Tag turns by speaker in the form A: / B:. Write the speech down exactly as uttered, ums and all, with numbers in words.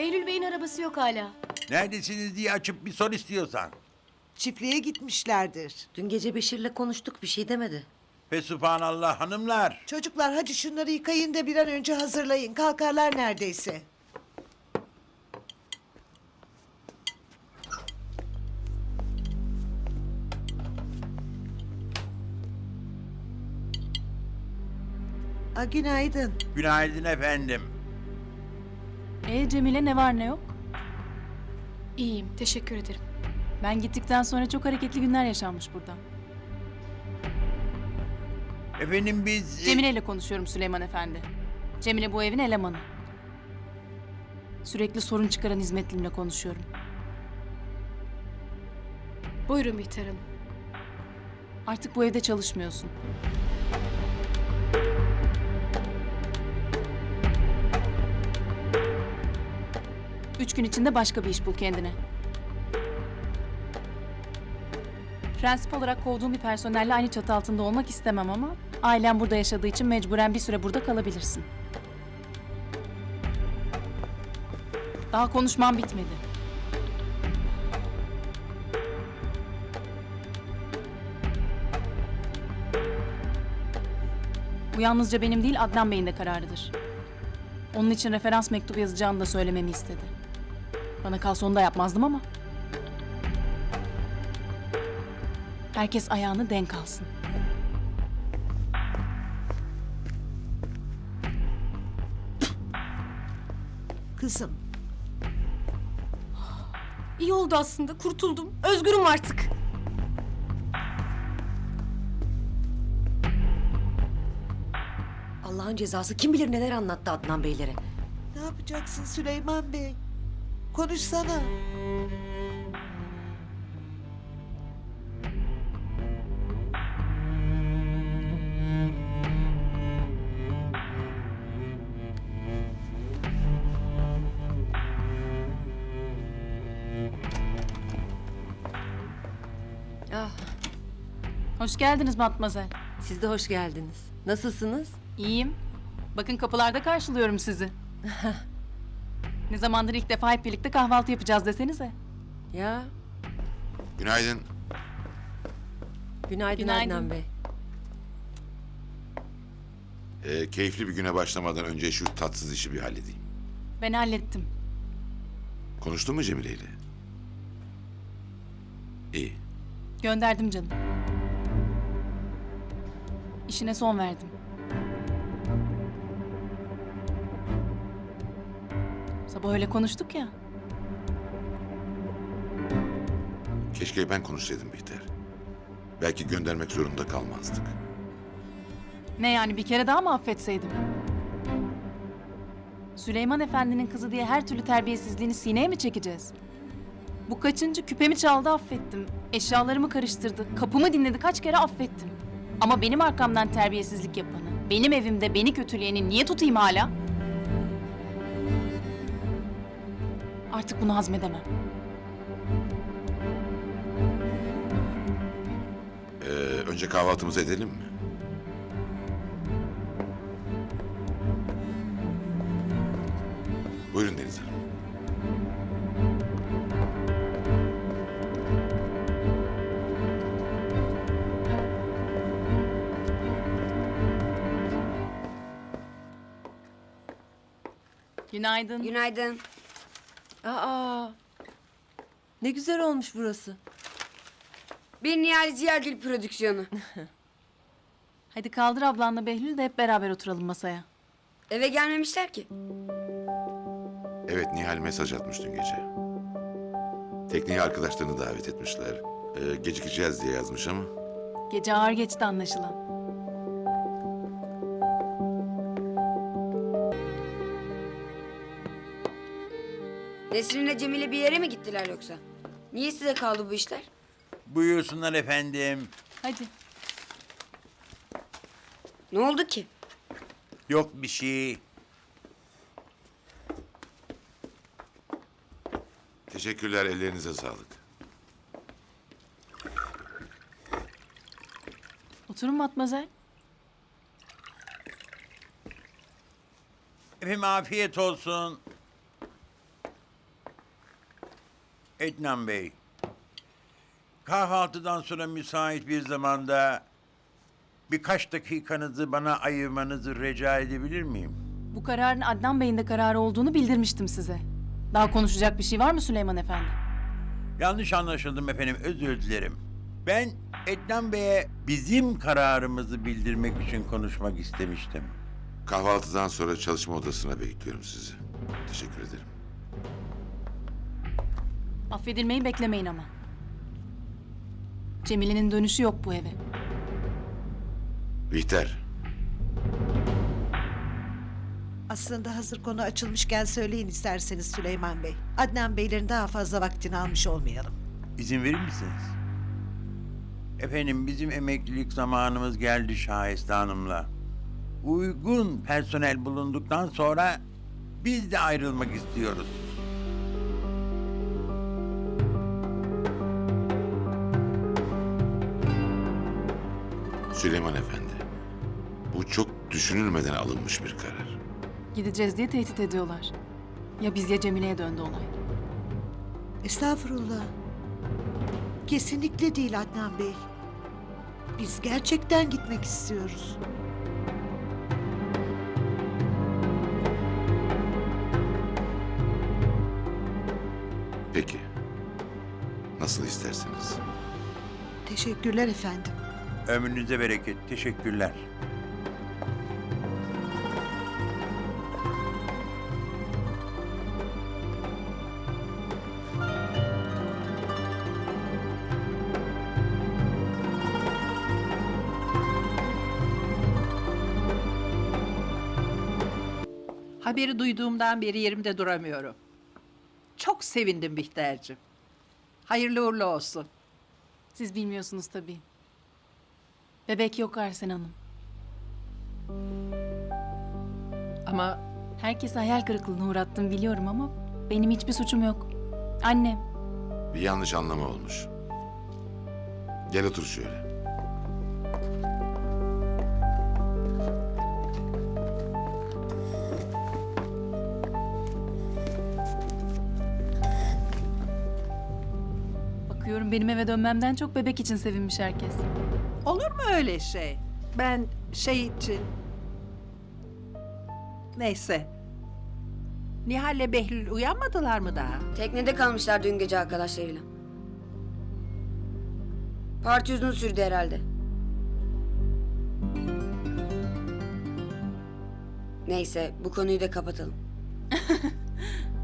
A: Behlül Bey'in arabası yok hala.
B: Neredesiniz diye açıp bir sor istiyorsan.
C: Çiftliğe gitmişlerdir.
D: Dün gece Beşir'le konuştuk, bir şey demedi.
B: Fesubhanallah hanımlar.
C: Çocuklar hadi şunları yıkayın da bir an önce hazırlayın. Kalkarlar neredeyse. A, günaydın.
B: Günaydın efendim.
E: E Cemile ne var ne yok?
A: İyiyim, teşekkür ederim.
E: Ben gittikten sonra çok hareketli günler yaşanmış burada.
B: Efendim biz... e,
E: Cemile ile konuşuyorum Süleyman Efendi. Cemile bu evin elemanı. Sürekli sorun çıkaran hizmetlimle konuşuyorum.
A: Buyurun Bihter Hanım.
E: Artık bu evde çalışmıyorsun. Üç gün içinde başka bir iş bul kendine. Prensip olarak kovduğum bir personelle aynı çatı altında olmak istemem ama... ...ailem burada yaşadığı için mecburen bir süre burada kalabilirsin. Daha konuşmam bitmedi. Bu yalnızca benim değil, Adnan Bey'in de kararıdır. Onun için referans mektubu yazacağını da söylememi istedi. Bana kalsa onu da yapmazdım ama... Herkes ayağını denk alsın.
C: Kızım.
A: İyi oldu aslında, kurtuldum. Özgürüm artık.
D: Allah'ın cezası kim bilir neler anlattı Adnan Beylere.
C: Ne yapacaksın Süleyman Bey? Konuşsana.
D: Ah,
E: Hoş geldiniz Matmazel.
D: siz de hoş geldiniz. Nasılsınız?
E: İyiyim. Bakın kapılarda karşılıyorum sizi. Ne zamandır ilk defa hep birlikte kahvaltı yapacağız desenize.
D: Ya,
F: Günaydın.
D: günaydın,
E: Günaydın.
D: Adnan Bey.
F: Ee, keyifli bir güne başlamadan önce şu tatsız işi bir halledeyim.
E: Ben hallettim.
F: Konuştun mu Cemile ile? İyi.
E: Gönderdim canım. İşine son verdim. Sabah öyle konuştuk ya.
F: Keşke ben konuşsaydım Bihter. Belki göndermek zorunda kalmazdık.
E: Ne yani, bir kere daha mı affetseydim? Süleyman Efendi'nin kızı diye her türlü terbiyesizliğini sineye mi çekeceğiz? Bu kaçıncı, küpemi çaldı affettim. Eşyalarımı karıştırdı, kapımı dinledi, kaç kere affettim. Ama benim arkamdan terbiyesizlik yapanı, benim evimde beni kötüleyeni niye tutayım hala? Artık bunu hazmedemem.
F: Ee, önce kahvaltımızı edelim mi? Buyurun Deniz Hanım.
E: Günaydın.
G: Günaydın.
D: Aa, ne güzel olmuş burası.
G: Bir Nihal Ziyagil prodüksiyonu.
E: Hadi kaldır ablanla Behlül de hep beraber oturalım masaya.
G: Eve gelmemişler ki.
F: Evet, Nihal mesaj atmış dün gece. Tekneye arkadaşlarını davet etmişler. Ee, gecikeceğiz diye yazmış ama...
E: Gece ağır geçti anlaşılan.
G: Nesrin'le Cemile bir yere mi gittiler yoksa? Niye size kaldı bu işler?
B: Buyursunlar efendim.
E: Hadi.
G: Ne oldu ki?
B: Yok bir şey.
F: Teşekkürler, ellerinize sağlık.
E: Oturun Matmazel.
B: Efendim afiyet olsun. Etnan Bey. Kahvaltıdan sonra müsait bir zamanda birkaç dakikanızı bana ayırmanızı rica edebilir miyim?
E: Bu kararın Adnan Bey'in de kararı olduğunu bildirmiştim size. Daha konuşacak bir şey var mı Süleyman Efendi?
B: Yanlış anlaşıldım efendim, özür dilerim. Ben Etnan Bey'e bizim kararımızı bildirmek için konuşmak istemiştim.
F: Kahvaltıdan sonra çalışma odasına bekliyorum sizi. Teşekkür ederim.
E: Affedilmeyi beklemeyin ama. Cemile'nin dönüşü yok bu eve.
F: Bihter,
C: Aslında hazır konu açılmışken söyleyin isterseniz Süleyman Bey. Adnan Beylerin daha fazla vaktini almış olmayalım.
B: İzin verir misiniz? Efendim bizim emeklilik zamanımız geldi Şahiste Hanım'la. Uygun personel bulunduktan sonra biz de ayrılmak istiyoruz.
F: Süleyman Efendi. Bu çok düşünülmeden alınmış bir karar.
E: Gideceğiz diye tehdit ediyorlar. Ya biz ya Cemile'ye döndü olay.
C: Estağfurullah. Kesinlikle değil Adnan Bey. Biz gerçekten gitmek istiyoruz.
F: Peki. Nasıl isterseniz.
C: Teşekkürler efendim.
B: Ömrünüze bereket. Teşekkürler.
H: Haberi duyduğumdan beri yerimde duramıyorum. Çok sevindim Bihter'cim. Hayırlı uğurlu olsun.
E: Siz bilmiyorsunuz tabii. Bebek yok Arsen Hanım.
H: Ama
E: Herkese hayal kırıklığına uğrattım biliyorum ama benim hiçbir suçum yok. Annem.
F: Bir yanlış anlama olmuş. Gel otur şöyle.
E: Bakıyorum benim eve dönmemden çok bebek için sevinmiş herkes.
H: olur mu öyle şey? Ben şey için... Neyse. Nihal'le Behlül uyanmadılar mı daha?
G: Teknede kalmışlar dün gece arkadaşlarıyla. Parti uzun sürdü herhalde. Neyse bu konuyu da kapatalım.